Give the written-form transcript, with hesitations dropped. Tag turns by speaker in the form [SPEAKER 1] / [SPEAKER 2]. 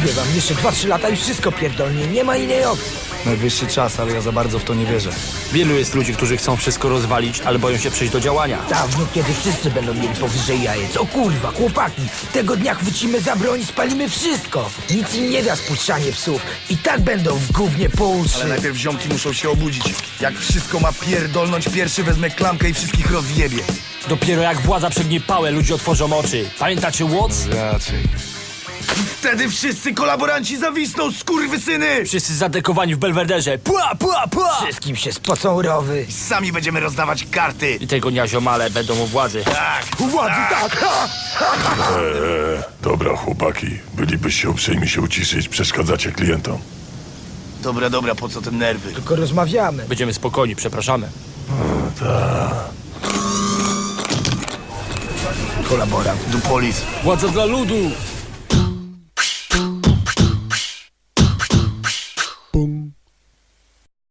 [SPEAKER 1] Mówię wam, jeszcze 2-3 lata i wszystko pierdolnie, nie ma innej opcji.
[SPEAKER 2] Najwyższy czas, ale ja za bardzo w to nie wierzę.
[SPEAKER 3] Wielu jest ludzi, którzy chcą wszystko rozwalić, ale boją się przejść do działania.
[SPEAKER 1] Dawno, kiedy wszyscy będą mieli powyżej jajec. O kurwa, chłopaki, tego dnia chwycimy za broń i spalimy wszystko. Nic im nie da spuszczanie psów. I tak będą w gównie po uszy.
[SPEAKER 2] Ale najpierw ziomki muszą się obudzić. Jak wszystko ma pierdolnąć, pierwszy wezmę klamkę i wszystkich rozjebie.
[SPEAKER 3] Dopiero jak władza przegnie pałę, ludzie otworzą oczy. Pamiętacie Watts?
[SPEAKER 2] Raczej. Wtedy wszyscy kolaboranci zawisną, skurwysyny!
[SPEAKER 3] Wszyscy zadekowani w Belwederze. Pła, pła, pła!
[SPEAKER 1] Wszystkim się spocą rowy.
[SPEAKER 2] Sami będziemy rozdawać karty.
[SPEAKER 3] I tego dnia ziomale będą u władzy.
[SPEAKER 2] Tak.
[SPEAKER 1] Władzy, tak! Ha!
[SPEAKER 4] Dobra, chłopaki, bylibyście uprzejmi się uciszyć, przeszkadzacie klientom.
[SPEAKER 2] Dobra, po co te nerwy?
[SPEAKER 1] Tylko rozmawiamy.
[SPEAKER 3] Będziemy spokojni, przepraszamy.
[SPEAKER 2] Kolaborant, dupolis.
[SPEAKER 3] Władza dla ludu!
[SPEAKER 5] Boom.